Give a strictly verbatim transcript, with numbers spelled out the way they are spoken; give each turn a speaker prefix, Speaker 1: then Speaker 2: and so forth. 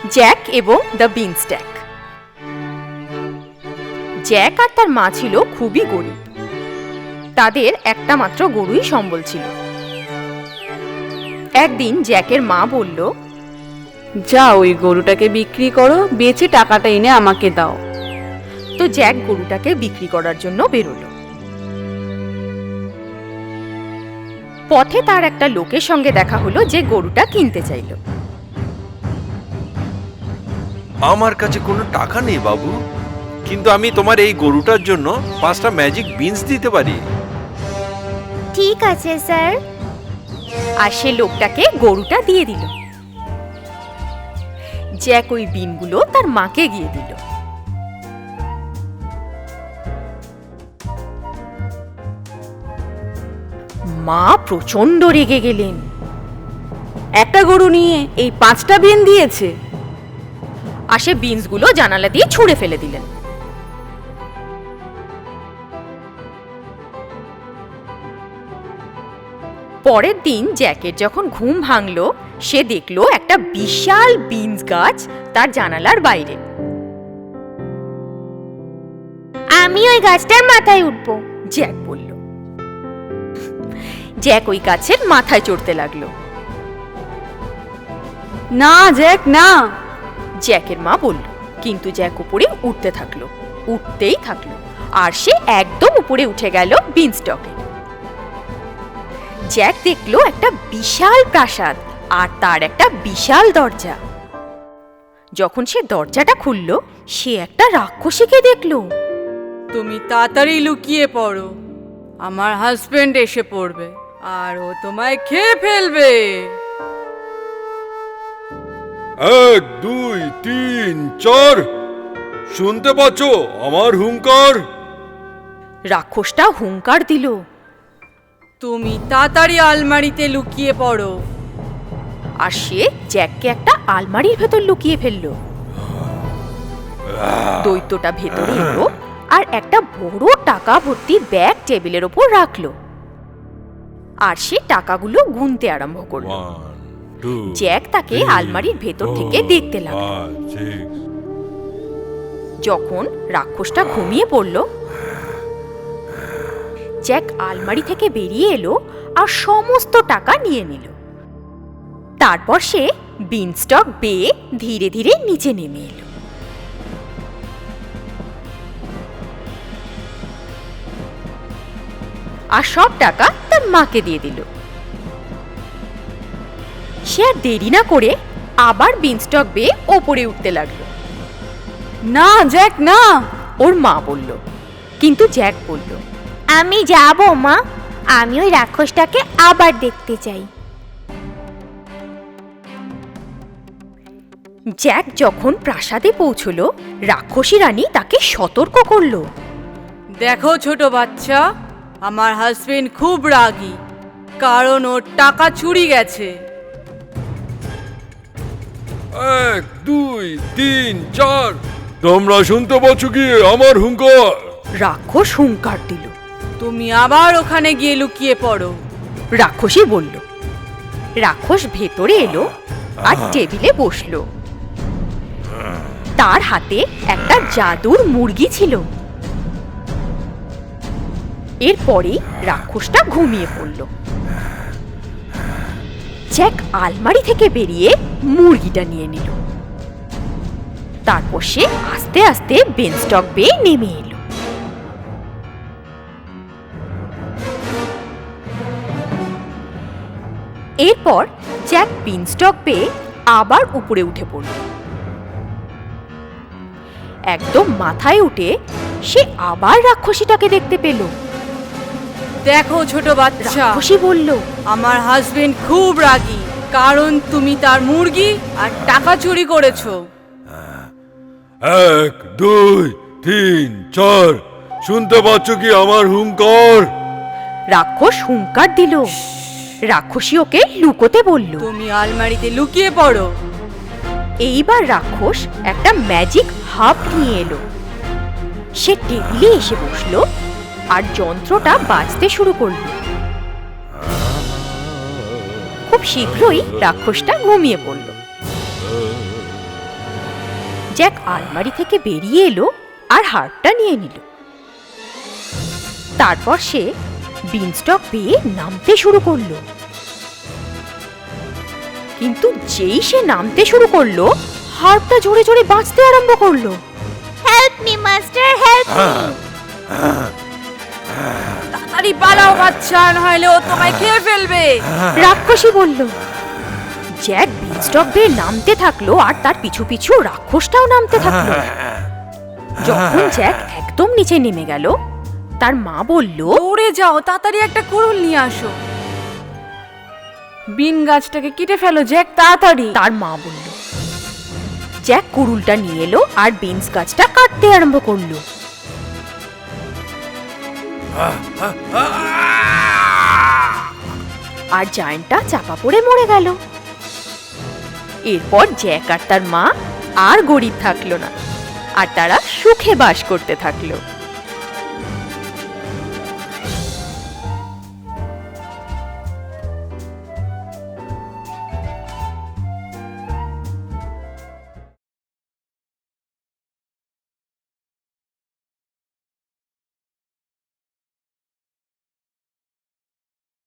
Speaker 1: Jack এবং the beanstalk. Jack আর তার মা ছিল খুবই গরিব। তাদের একটা মাত্র গরুই সম্বল ছিল। একদিন জ্যাকের মা বলল,
Speaker 2: যা ওই গরুটাকে বিক্রি করো, বেচে টাকাটা এনে আমাকে দাও।
Speaker 1: তো জ্যাক গরুটাকে বিক্রি করার জন্য বেরোলো। পথে তার একটা লোকের সঙ্গে দেখা হলো যে গরুটা কিনতে চাইল।
Speaker 3: আমার কাছে কোনো টাকা নেই বাবু, কিন্তু আমি তোমার এই গরুটার জন্য পাঁচটা ম্যাজিক বিনস দিতে পারি।
Speaker 1: ঠিক আছে স্যার। আর সে লোকটাকে গরুটা দিয়ে দিল। জ্যাক ওই বিনগুলো তার মাকে গিয়ে দিল। মা প্রচন্ড রেগে গেলেন।
Speaker 2: একটা গরু নিয়ে এই পাঁচটা বিন দিয়েছে।
Speaker 1: আর সে বিনসগুলো জানালা দিয়ে ছুঁড়ে ফেলে দিলেন। পরের দিন জ্যাকের যখন ঘুম ভাঙল, সে দেখল একটা বিশাল বিনস গাছ তার জানালার বাইরে।
Speaker 4: আমি ওই গাছটার মাথায় উঠবো,
Speaker 1: জ্যাক বলল। জ্যাক ওই গাছের মাথায় চড়তে লাগলো।
Speaker 2: না জ্যাক না,
Speaker 1: জ্যাকের মা বলল। কিন্তু জ্যাক উপরে উঠতে থাকলো, উঠতেই থাকলো, আর সে একদম উপরে উঠে গেল বিনস্টকে। জ্যাক দেখলো একটা বিশাল প্রাসাদ আর তার একটা বিশাল দরজা। যখন সে দরজাটা খুলল, সে একটা রাক্ষসীকে দেখলো।
Speaker 2: তুমি তাড়াতাড়ি লুকিয়ে পড়ো, আমার হাজবেন্ড এসে পড়বে আর ও তোমায় খেয়ে ফেলবে।
Speaker 5: এক দুই তিন চার, শুনতে পাচ্ছ আমার হুঙ্কার?
Speaker 1: রাক্ষসটা হুঙ্কার দিল।
Speaker 2: তুমি তাড়াতাড়ি আলমারিতে লুকিয়ে পড়ো।
Speaker 1: আর সে জ্যাককে একটা আলমারির ভেতর লুকিয়ে ফেললো। দৈত্যটা ভেতরে এলো আর একটা বড় টাকা ভর্তি ব্যাগ টেবিলের ওপর রাখলো। আর সে টাকাগুলো গুনতে আরম্ভ করলো। জ্যাক তাকে আলমারির ভেতর থেকে দেখতে লাগলো। যখন রাক্ষসটা ঘুমিয়ে পড়ল, জ্যাক আলমারি থেকে বেরিয়ে এলো আর সমস্ত টাকা নিয়ে নিল। তারপর সে বিনস্টক বেয়ে ধীরে ধীরে নিচে নেমে এলো। আর সব টাকা তার মাকে দিয়ে দিল। সে আর দেরি না করে আবার বিনস্টক বেয়ে ওপরে উঠতে লাগলো।
Speaker 2: না জ্যাক না,
Speaker 1: ওর মা বলল। কিন্তু জ্যাক বলল,
Speaker 4: আমি যাবো মা, আমি ওই রাক্ষসটাকে আবার দেখতে চাই।
Speaker 1: জ্যাক যখন প্রাসাদে পৌঁছলো, রাক্ষসী রানী তাকে সতর্ক করলো।
Speaker 2: দেখো ছোট বাচ্চা, আমার হাজবেন্ড খুব রাগী, কারণ ওর টাকা চুরি গেছে।
Speaker 5: এক দুই তিন চার, তোমরা শুনতে পাচ্ছ কি আমার হুঙ্কার?
Speaker 1: রাক্ষস হুঙ্কার দিল।
Speaker 2: তুমি আবার ওখানে গিয়ে লুকিয়ে পড়ো,
Speaker 1: রাক্ষসী বলল। রাক্ষস ভেতরে এলো আর টেবিলে বসলো। তার হাতে একটা জাদুর মুরগি ছিল। এরপরেই রাক্ষসটা ঘুমিয়ে পড়ল। জ্যাক আলমারি থেকে বেরিয়ে মুরগিটা নিয়ে নিল। তারপর সে আস্তে আস্তে বিনস্টক বেয়ে নেমে এলো। এরপর জ্যাক বিনস্টক পেয়ে আবার উপরে উঠে পড়ল। একদম মাথায় উঠে সে আবার রাক্ষসীটাকে দেখতে পেল।
Speaker 2: দেখো ছোট বাচ্চা,
Speaker 1: রাক্ষসী বলল,
Speaker 2: আমার হাজবেন্ড খুব রাগী, কারণ তুমি তার মুরগি আর টাকা চুরি করেছো।
Speaker 5: এক দুই তিন চার, শুনতে পাচ্ছ কি আমার হুঙ্কার?
Speaker 1: রাক্ষস হুঙ্কার দিল। রাক্ষসী ওকে লুকোতে বলল।
Speaker 2: তুমি আলমারিতে লুকিয়ে পড়ো।
Speaker 1: এইবার রাক্ষস একটা ম্যাজিক হাব নিয়ে এলো। সে টেবিলে এসে বসলো আর যন্ত্রটা বাজতে শুরু করলো। খুব শীঘ্রই রাক্ষসটা ঘুমিয়ে পড়ল। জ্যাক আলমারি থেকে বেরিয়ে এলো আর হারটা নিয়ে নিল। তারপর সে বিনস্টক পেয়ে নামতে শুরু করলো। কিন্তু যেই সে নামতে শুরু করলো, হারটা জোরে জোরে বাঁচতে আরম্ভ করলো।
Speaker 4: Help me master, help me.
Speaker 2: তাড়াতাড়ি পালাও বাচ্চা, নাহলে ও তোমায় খেয়ে ফেলবে।
Speaker 1: রাক্ষসী বলল। জ্যাক বিনস্টক বেয়ে নামতে থাকলো আর তার পিছু পিছু রাক্ষসটাও নামতে থাকলো। যখন জ্যাক একদম নিচে নেমে গেল, তার মা বলল,
Speaker 2: দৌড়ে যাও, তাড়াতাড়ি একটা কুড়ুল নিয়ে আসো। বিন গাছটাকে কেটে ফেলো জ্যাক, তাড়াতাড়ি।
Speaker 1: তার মা বলল। জ্যাক কুড়ুলটা নিয়ে এলো আর বিনস গাছটা কাটতে আরম্ভ করলো। আর জায়ান্টটা চাপা পড়ে মরে গেল। এরপর জ্যাক আর তার মা আর গরিব থাকলো না, আর তারা সুখে বাস করতে থাকলো।